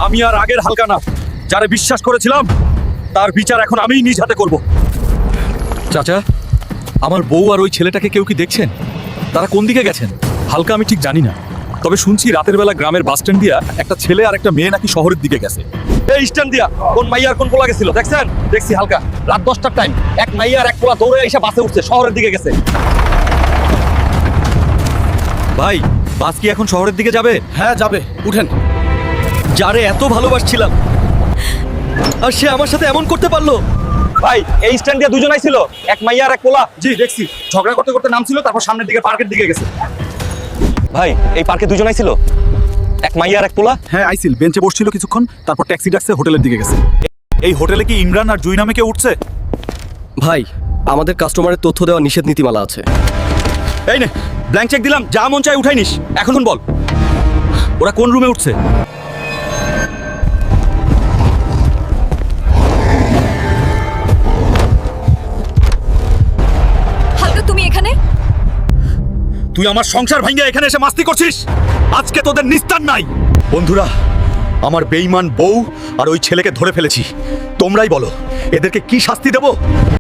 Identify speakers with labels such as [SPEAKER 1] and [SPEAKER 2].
[SPEAKER 1] আমি আর আগের হালকা না। যারে বিশ্বাস করেছিলাম তার বিচার এখন আমিই নিজ হাতে করব। চাচা, আমার বউ আর ওই ছেলেটাকে কেউ কি দেখছেন? তারা কোন দিকে গেছেন? হালকা আমি ঠিক জানি না, তবে শুনছি রাতের বেলা গ্রামের বাস স্ট্যান্ড দিয়া একটা ছেলে আর একটা মেয়ে নাকি শহরের দিকে গেছে। এই স্ট্যান্ড দিয়া কোন মাইয়া আর কোন পোলা গেছিল দেখছেন? দেখছি হালকা, রাত 10টার টাইম এক মাইয়া আর এক পোলা দৌড়ে এসে বাসে উঠছে, শহরের দিকে গেছে। ভাই, বাস কি এখন শহরের দিকে যাবে?
[SPEAKER 2] হ্যাঁ যাবে, উঠেন।
[SPEAKER 1] যারে এত ভালোবাসছিলাম আর সে আমার সাথে এমন করতে পারলো। ভাই, এই স্ট্যান্ড দিয়ে দুজনাই ছিল, এক মাইয়া আর এক পোলা। জি দেখছি, ঝগড়া করতে করতে নামছিল, তারপর সামনের দিকে পার্কের দিকে গেছে। ভাই, এই পার্কে দুজনাই ছিল, এক মাইয়া আর এক পোলা।
[SPEAKER 2] হ্যাঁ আইসিল, বেঞ্চে বসছিল কিছুক্ষণ, তারপর ট্যাক্সি ডাকছে, হোটেলের দিকে গেছে।
[SPEAKER 1] এই হোটেলে কি ইমরান আর জুই নামে কেউ উঠছে?
[SPEAKER 3] ভাই, আমাদের কাস্টমারের তথ্য দেওয়া নিষেধ নীতিমালা আছে।
[SPEAKER 1] এই নে, ব্ল্যাঙ্ক চেক দিলাম, যা মন চাই উঠাই নিস। এখন বল, ওরা কোন রুমে উঠছে?
[SPEAKER 4] হালকা, তুমি এখানে?
[SPEAKER 1] তুই আমার সংসার ভাঙিয়ে এখানে এসে মাস্তি করছিস? আজকে তোদের নিস্তার নাই। বন্ধুরা, আমার বেঈমান বউ আর ওই ছেলেকে ধরে ফেলেছি। তোমরাই বলো, এদেরকে কি শাস্তি দেব?